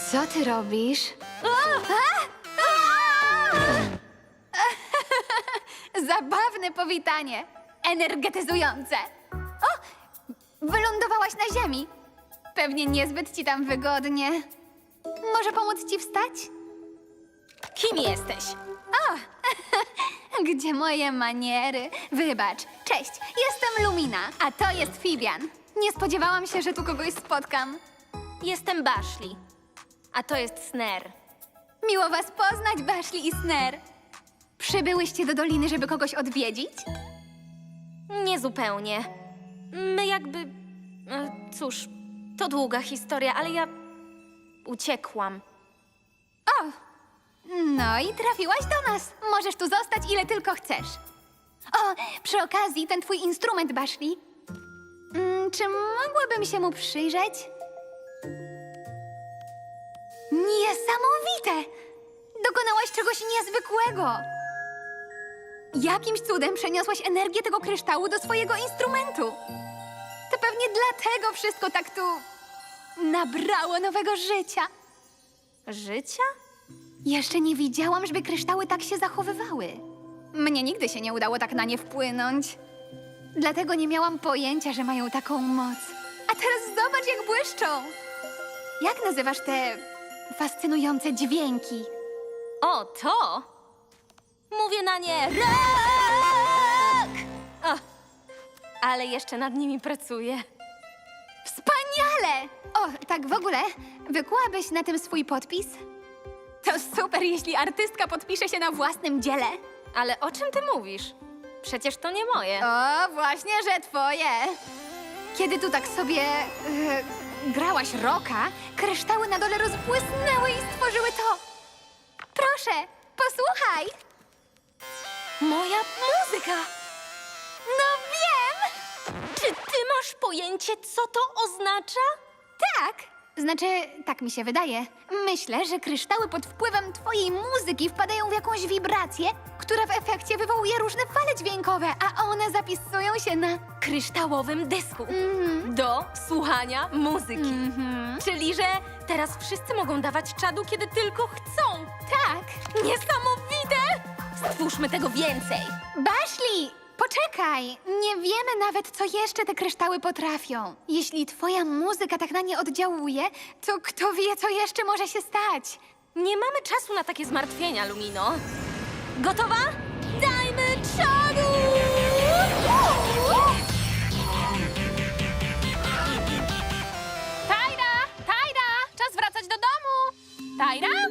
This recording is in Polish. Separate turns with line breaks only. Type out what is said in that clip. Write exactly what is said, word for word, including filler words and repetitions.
Co ty robisz?
Zabawne powitanie. Energetyzujące. O! Wylądowałaś na ziemi. Pewnie niezbyt ci tam wygodnie. Może pomóc ci wstać?
Kim jesteś?
Gdzie moje maniery? Wybacz. Cześć, jestem Lumina, a to jest Fibian. Nie spodziewałam się, że tu kogoś spotkam.
Jestem Bashli. A to jest Sner.
Miło was poznać, Bashli i Sner. Przybyłyście do doliny, żeby kogoś odwiedzić?
Niezupełnie. My jakby... e, Cóż, to długa historia, ale ja... uciekłam.
O! No i trafiłaś do nas. Możesz tu zostać ile tylko chcesz. O, przy okazji, ten twój instrument, Bashli. Mm, czy mogłabym się mu przyjrzeć? Niesamowite! Dokonałaś czegoś niezwykłego. Jakimś cudem przeniosłaś energię tego kryształu do swojego instrumentu. To pewnie dlatego wszystko tak tu nabrało nowego życia.
Życia?
Jeszcze nie widziałam, żeby kryształy tak się zachowywały. Mnie nigdy się nie udało tak na nie wpłynąć. Dlatego nie miałam pojęcia, że mają taką moc. A teraz zobacz, jak błyszczą. Jak nazywasz te fascynujące dźwięki?
O, to? Mówię na nie ROK! O, ale jeszcze nad nimi pracuję.
Wspaniale! O, tak w ogóle, wykułabyś na tym swój podpis? To super, jeśli artystka podpisze się na własnym dziele.
Ale o czym ty mówisz? Przecież to nie moje.
O, właśnie, że twoje. Kiedy tu tak sobie e, grałaś rocka, kryształy na dole rozbłysnęły i stworzyły to. Proszę, posłuchaj.
Moja muzyka!
No wiem!
Czy ty masz pojęcie, co to oznacza?
Tak. Znaczy, tak mi się wydaje. Myślę, że kryształy pod wpływem twojej muzyki wpadają w jakąś wibrację, która w efekcie wywołuje różne fale dźwiękowe, a one zapisują się na...
Kryształowym dysku.
Mhm.
Do słuchania muzyki.
Mhm.
Czyli, że teraz wszyscy mogą dawać czadu, kiedy tylko chcą.
Tak.
Niesamowite! Stwórzmy tego więcej.
Bashli, poczekaj! Nie wiemy nawet, co jeszcze te kryształy potrafią. Jeśli twoja muzyka tak na nie oddziałuje, to kto wie, co jeszcze może się stać?
Nie mamy czasu na takie zmartwienia, Lumino. Gotowa? Dajmy czadu!
Tajra! Tajra! Czas wracać do domu! Tajra!